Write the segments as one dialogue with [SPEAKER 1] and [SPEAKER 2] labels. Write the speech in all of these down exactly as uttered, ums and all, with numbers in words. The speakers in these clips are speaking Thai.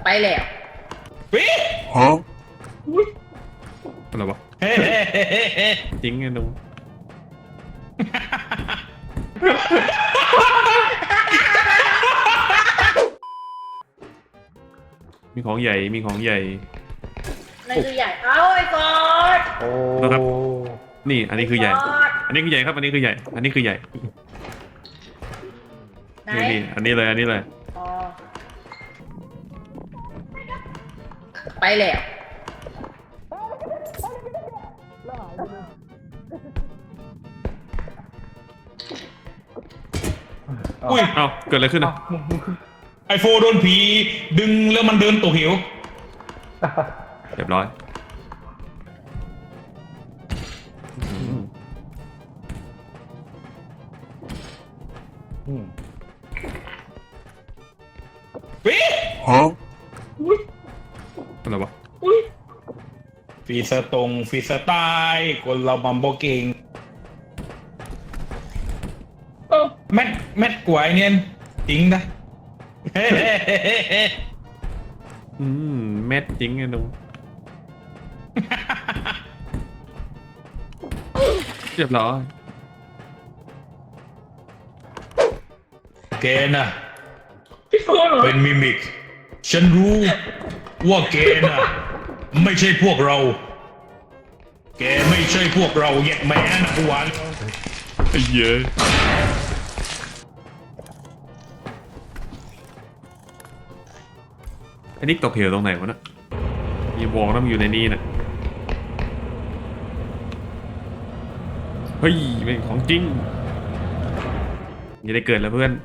[SPEAKER 1] ไปแล้ว
[SPEAKER 2] วิ
[SPEAKER 3] ฮะ
[SPEAKER 4] อะไรวะ
[SPEAKER 2] เฮ้
[SPEAKER 4] จริงไงหนูมีของใหญ่มีของใหญ่
[SPEAKER 1] นั่นคือใหญ่เอาไอ้กอด
[SPEAKER 3] โอ้
[SPEAKER 4] นะครับนี่อันนี้คือใหญ่อันนี้คือใหญ่ครับอันนี้คือใหญ่อันนี้คือใหญ่นี่นี่อันนี้เลยอันนี้เลย
[SPEAKER 1] อ๋อไปแล้ว
[SPEAKER 2] อุ้ย
[SPEAKER 4] เอ้าเกิดอะไรขึ้นอ่ะ
[SPEAKER 2] ไอโฟโดนผีดึงแล้วมันเดินตกเหว
[SPEAKER 4] เรียบร้อย
[SPEAKER 2] วิ
[SPEAKER 3] ฮะ
[SPEAKER 4] อะไรวะ
[SPEAKER 2] ฟีสตรงฟีสไตล์คนเราบัมโบเก่งแมทแมทกวยเนี่ยจริงนะ
[SPEAKER 4] อืมเม็ดจริงไงหนูเรียบร้อย
[SPEAKER 2] แกน่ะเป็นมิมิกฉันรู้ว่าแกน่ะไม่ใช่พวกเราแกไม่ใช่พวกเราแยกแม่นะกูหวาน
[SPEAKER 4] ไอ้เยอะไอ้นิกตกเหวตรงไหนวะน่ะอย่าบอกนะมันอยู่ในนี้น่ะเฮ้ยเป็นของจริงอย่าได้เกิดแล้วเพื่อน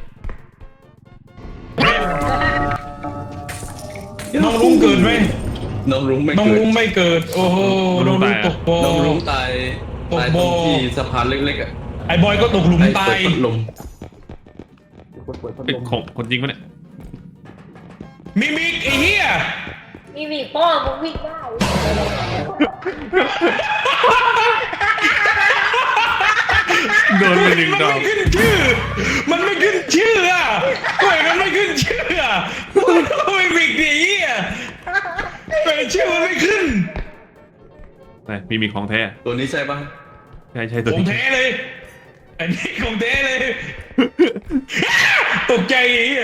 [SPEAKER 2] น้องลุงเกิดไหม
[SPEAKER 5] น้องรุ้งไม่
[SPEAKER 2] น้อง
[SPEAKER 5] เกิด
[SPEAKER 2] ลุงไม่เกิดโอ้โหน้องลุงตกบ่อ
[SPEAKER 5] น้องรุ้งตาย
[SPEAKER 2] ตก
[SPEAKER 5] ตาย
[SPEAKER 2] บ่
[SPEAKER 5] ตร
[SPEAKER 2] อ
[SPEAKER 5] งที่สะพานเล็กๆอ่ะ
[SPEAKER 2] ไอ้บอยก็ตกหลุม
[SPEAKER 5] ไอ้
[SPEAKER 2] ตา
[SPEAKER 5] เปิด
[SPEAKER 2] ย
[SPEAKER 5] พัดลม
[SPEAKER 4] เป็นของคนจริงปะเนี่ย
[SPEAKER 2] มิมิกไอ้เหี้ย
[SPEAKER 1] มีมีพ่อมึงวิ่งได้
[SPEAKER 4] โดนไปหนึ่งดอก
[SPEAKER 2] มันไม่ขึ้นชื่อมันไม่ขึ้นชื่ออ่ะทำไมมันไม่ขึ้นชื่ออ่ะมันมิมิกดิไอ้เหี้ยแต่ชื่อมันไม่ขึ้น
[SPEAKER 4] ไหนมีมีของแท้
[SPEAKER 5] ตัวนี้ใช่ปะ
[SPEAKER 4] ใช่ใช่ตัว
[SPEAKER 2] ของ
[SPEAKER 4] นี้
[SPEAKER 2] แท้เลยอันนี้ของแท้เลยตกใจไอ้เหี้ย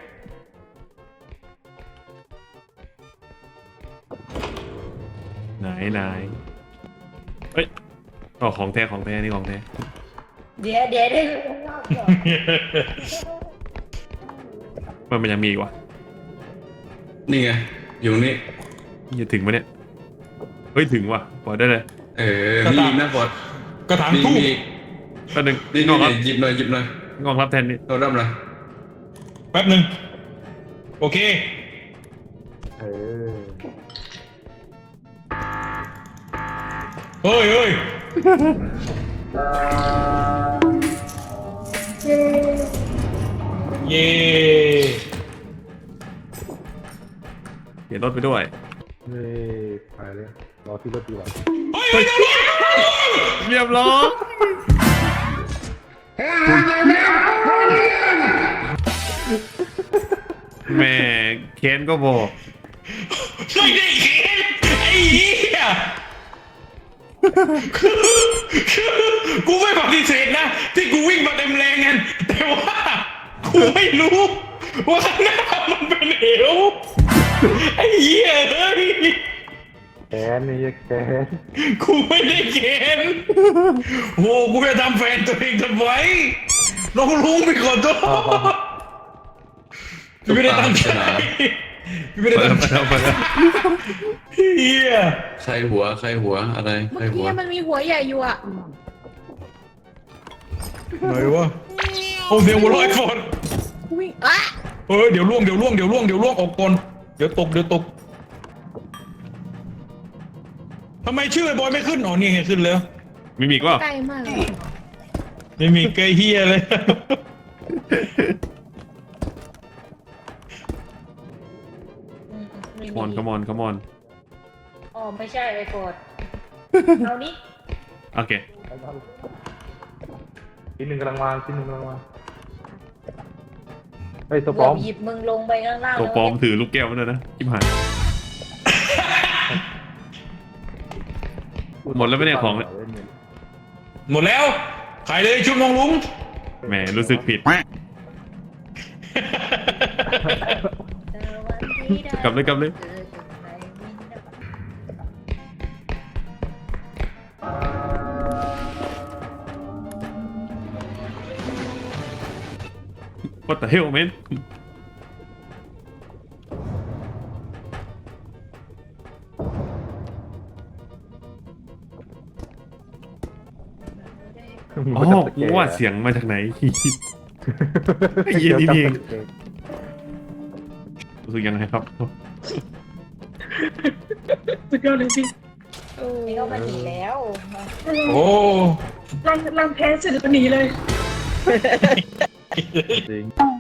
[SPEAKER 4] ไหนไหนเฮ้ยอ๋อของแท้ของแท้นี่ของแท้
[SPEAKER 1] เดี๋ยวเดี๋ยวได้รู้รอบก่อน
[SPEAKER 4] มันมันยังมีอีกวะ
[SPEAKER 5] นี่ไงอยู่นี่
[SPEAKER 4] จะถึงปะเนี่ยเฮ้ยถึงว่ะปล่อยได้เลย
[SPEAKER 5] เออมีอีกนะบอด
[SPEAKER 2] กระถาง
[SPEAKER 5] มี
[SPEAKER 2] ทูบ
[SPEAKER 5] มีอีก
[SPEAKER 4] แป๊บนึง
[SPEAKER 5] นี่
[SPEAKER 4] ง
[SPEAKER 5] นี่
[SPEAKER 4] อกรับ
[SPEAKER 5] หยิบหน่อยหยิบหน่อย
[SPEAKER 4] งอกรับแทนนี่
[SPEAKER 5] เราดับเลย
[SPEAKER 2] แป๊บหนึ่งโอเค
[SPEAKER 3] เออ
[SPEAKER 2] เฮ้ยเฮ้ย เย่
[SPEAKER 4] เขียนรถไปด้วย
[SPEAKER 3] เฮ้ยไปเลยรอที่รถดีกว่า
[SPEAKER 2] เฮ้ยเฮ้ย
[SPEAKER 4] เรียบร้อยแม่เคนก็บอก
[SPEAKER 2] ไม่ได้เขียนไอ้เหี้ยคือคือกูไม่ปฏิเสธนะที่กูวิ่งมาเต็มแรงกันแต่ว่ากูไม่รู้ว่าข้างหน้ามันเป็นเหวไอ้เหี้ยเฮ้ย
[SPEAKER 3] แกนนี่แกน
[SPEAKER 2] กูไม่ได้เกณฑ์โอ้กูจะทำแฟนตัวเองทำไมน้องลุงไปขอโทษไม่ได้ตั้งใจไม่ได้ตั้งใจเฮีย
[SPEAKER 5] ใครหัวใครหัวอะไรใคร
[SPEAKER 1] เมื่อ
[SPEAKER 5] หัว
[SPEAKER 1] กี้มันมีหัวใหญ่อยู่อ่ะ
[SPEAKER 2] ไหนวะโอ้เดี๋ยวหัวลอยก่อน
[SPEAKER 1] วิ่งอ่ะ
[SPEAKER 2] เฮ้ยเดี๋ยวล่วงเดี๋ยวล่วงเดี๋ยวล่วงเดี๋ยวล่วงออกก่อนเดี๋ยวตกเดี๋ยวตกทำไมชื่อไอ้บอยไม่ขึ้นอ๋อนี่ไงขึ้นแล้ว
[SPEAKER 4] มีมีอีกว่า
[SPEAKER 1] ใกล้มากเลย
[SPEAKER 2] ไม่มีเกยเฮียเลย
[SPEAKER 4] คมอนคมอนคมอน
[SPEAKER 1] อ๋อไม่ใช่ไอ้กดเอานี้
[SPEAKER 4] โอเค
[SPEAKER 3] ชิ้นหนึ่งกำลังวางชิ้นหนึ่งกำลังวางเฮ้ยตัวป
[SPEAKER 1] เกื
[SPEAKER 3] ล
[SPEAKER 1] อ
[SPEAKER 3] อบ ม
[SPEAKER 1] หยิบมึงลงไปข้างล่าง
[SPEAKER 4] ตัวปลอมถือลูกแก้วมาด้วยนะชิบหาย หมดแล้วไม่ได้ของเลย
[SPEAKER 2] หมดแล้วขายเลยชุดมองลุง
[SPEAKER 4] แหมรู้สึกผิด กลับเลยกลับเลย What the hell man อ๋อกูว่าเสียงมาจากไหน ไอ้เหี้ยนี่เองรู้สึกยังไงครับ
[SPEAKER 6] สุดยอดเลยพี่
[SPEAKER 1] นี่ก็มาหนีแล้ว
[SPEAKER 2] โอ้
[SPEAKER 6] รังรังแพ้เสร็จแล้วหนีเลย
[SPEAKER 3] จริง